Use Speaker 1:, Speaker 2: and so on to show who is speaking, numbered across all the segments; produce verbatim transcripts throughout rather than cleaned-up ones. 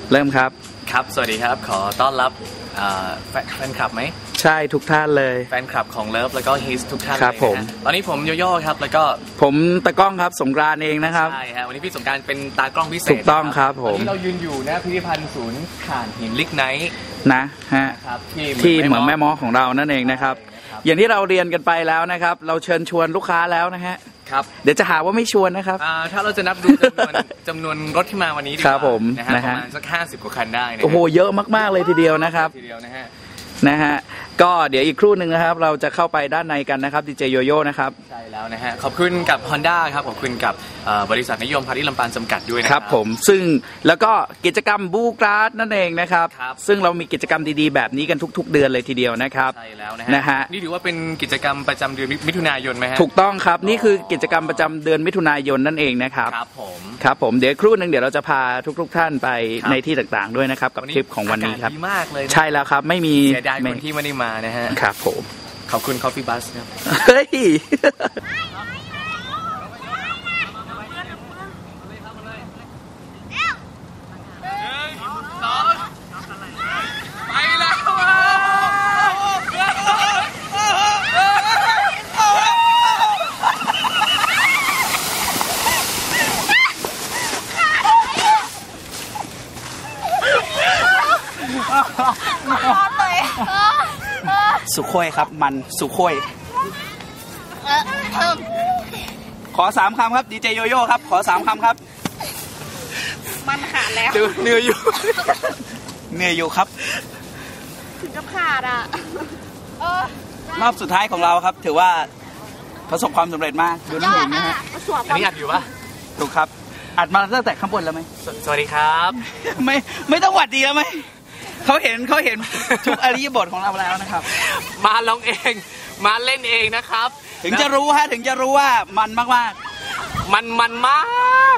Speaker 1: เริ่มครับ
Speaker 2: ครับสวัสดีครับขอต้อนรับแฟนคลับไหม
Speaker 1: ใช่ทุกท่านเลย
Speaker 2: แฟนคลับของเลิฟแล้วก็ฮิสทุกท่านเลยนะตอนนี้ผมโยโย่ครับแล้วก็
Speaker 1: ผมตะกล้องครับสงกรานต์เองนะครับ
Speaker 2: ใช่ฮะวันนี้พี่สงกรานต์เป็นตากล้องพิเศษ
Speaker 1: ถูกต้องครับผม
Speaker 2: วันนี้เรายืนอยู่นะพิพิธภัณฑ์ศูนย์ถ่านหินลิกไนท์
Speaker 1: นะฮะที่เหมืองแม่ม้อของเรานั่นเองนะครับอย่างที่เราเรียนกันไปแล้วนะครับเราเชิญชวนลูกค้าแล้วนะฮะ
Speaker 2: ครับ
Speaker 1: เดี๋ยวจะหาว่าไม่ชวนนะครับ
Speaker 2: ถ้าเราจะนับดูจำนวนจำนวนรถที่มาวันนี้ดีกว่านะฮะประมาณสักห้าสิบกว่าคันได้นะ
Speaker 1: โอ้โหเยอะมากๆเลยทีเดียวนะครับ
Speaker 2: ทีเดียวนะฮะ
Speaker 1: นะฮะก็เดี๋ยวอีกครู่หนึ่งนะครับเราจะเข้าไปด้านในกันนะครับดีเจโยโย่นะครับ
Speaker 2: ใช่แล้วนะฮะขอบคุณกับ Honda ครับขอบคุณกับบริษัทนิยมพาริลำปางจำกัดด้วยนะครับ
Speaker 1: ผมซึ่งแล้วก็กิจกรรมบูกราสนั่นเองนะครับซึ่งเรามีกิจกรรมดีๆแบบนี้กันทุกๆเดือนเลยทีเดียวนะครับ
Speaker 2: ใช่แล้วนะฮะนี่ถือว่าเป็นกิจกรรมประจำเดือนมิถุนายนไหมฮะ
Speaker 1: ถูกต้องครับนี่คือกิจกรรมประจำเดือนมิถุนายนนั่นเองนะครับ
Speaker 2: ครับผม
Speaker 1: ครับผมเดี๋ยวครู่หนึ่งเดี๋ยวเราจะพาทุกๆท่านไปในที่ต่างๆด้วยนะครับกับทริปของวันนี้ครับ
Speaker 2: ดีมากเลย
Speaker 1: ใช่แล้วครับไม่มี
Speaker 2: เสียดายคนที่ไม่ได้มานะฮะ
Speaker 1: ครับผม
Speaker 2: ขอบคุณ Coffee Bus ครับ
Speaker 1: เฮ้ยสุโขยครับมันสุโขยขอสามคำครับดีเจโยโย่ครับขอสามคำครับ
Speaker 3: มันขาดแล้ว
Speaker 1: เหนื่อยอยู่เหนื่อยอยู่ครับ
Speaker 3: ถึงกับขาดอ่ะ
Speaker 1: รอบสุดท้ายของเราครับถือว่าประสบความสำเร็จมากดูน้ำหนึ่งนะฮะ
Speaker 2: อันนี้อัดอยู่ปะ
Speaker 1: ถูกครับอัดมาตั้งแต่ข้างบนแล้วไหม
Speaker 2: สวัสดีครับ
Speaker 1: ไม่ไม่ต้องหวัดดีแล้วไหมเขาเห็นเขาเห็นทุกอริยบทของเราแล้วนะครับ
Speaker 2: มาลองเองมาเล่นเองนะครับ
Speaker 1: ถึงจะรู้ฮะถึงจะรู้ว่ามันมากมาก
Speaker 2: มันมันมาก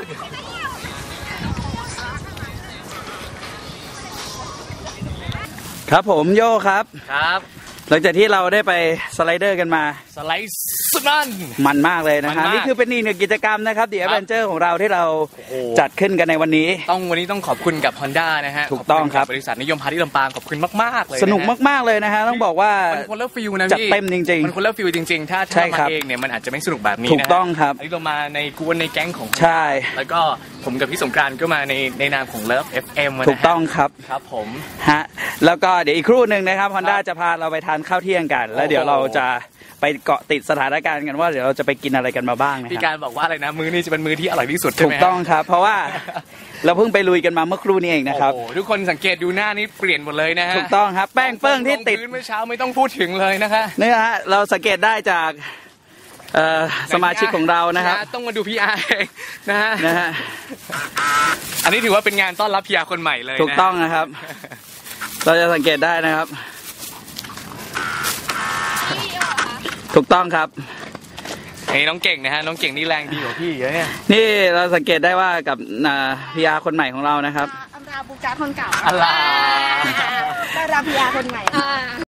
Speaker 1: ครับผมโย่ครับ
Speaker 2: ครับ
Speaker 1: หลังจากที่เราได้ไปสไลเดอร์กันมา
Speaker 2: สไลด์สุดมัน
Speaker 1: มันมากเลยนะฮะนี่คือเป็นอีกหนึ่งกิจกรรมนะครับเดี๋ยวแอดเวนเจอร์ของเราที่เราจัดขึ้นกันในวันนี้
Speaker 2: ต้องวันนี้ต้องขอบคุณกับ Honda นะฮะ
Speaker 1: ถูกต้องครับ
Speaker 2: บริษัทนิยมพาริลำปางขอบคุณมากๆเลย
Speaker 1: สนุกมากๆเลยนะฮะต้องบอกว่า
Speaker 2: มันคนละฟิลนะ
Speaker 1: พี่จัดเต็มจริงๆ
Speaker 2: มันคนละฟิลจริงๆถ้าถ้ามาเองเนี่ยมันอาจจะไม่สนุกแบบนี้นะ
Speaker 1: ถูกต้องครับ
Speaker 2: อันนี้เรามาในกวนในแก๊งของ
Speaker 1: ใช่
Speaker 2: แล้วก็ผมกับพี่สงกรานต์ก็มาในในนามของ Love เอฟ เอ็ม
Speaker 1: ถูกต้องครับ
Speaker 2: ครับผม
Speaker 1: ฮะแล้วก็เดี๋ยวอีกครู่หนึ่งนะครับ Honda จะพาเราไปทานข้าวเที่ยงกันแล้วเดี๋ยวเราจะไปเกาะติดสถานการณ์กันว่าเดี๋ยวเราจะไปกินอะไรกันมาบ้างนะครับ
Speaker 2: พี่การบอกว่าอะไรนะมื้อนี้จะเป็นมื้อที่อร่อยที่สุดใช่ไหม
Speaker 1: ถูกต้องครับเพราะว่าเราเพิ่งไปลุยกันมาเมื่อครู่นี้เองนะครับ
Speaker 2: ทุกคนสังเกตดูหน้านี้เปลี่ยนหมดเลยนะฮะ
Speaker 1: ถูกต้องครับแป้งเปิ้งที่ติด
Speaker 2: เมื่อเช้าไม่ต้องพูดถึงเลยนะคะ
Speaker 1: นี่ฮะเราสังเกตได้จากสมาชิกของเรานะครับ
Speaker 2: ต้องมาดูพี่อาร์เองนะฮะ
Speaker 1: นะฮะ
Speaker 2: อันนี้ถือว่าเป็นงานต้อนรับพี่อาร์คนใหม่เลย
Speaker 1: ถูกต้องนะครับเราจะสังเกตได้นะครับถูกต้องครับ
Speaker 2: ไอ้น้องเก่งนะฮะน้องเก่งนี่แรงดีกว่าพี่เยอะเนี่ย
Speaker 1: นี่เราสังเกตได้ว่ากับพี่อาร์คนใหม่ของเรานะครับ
Speaker 3: อันดาบูจาคนเก่า
Speaker 2: อัลลา
Speaker 3: ได้รับพี่อาร์คนใหม่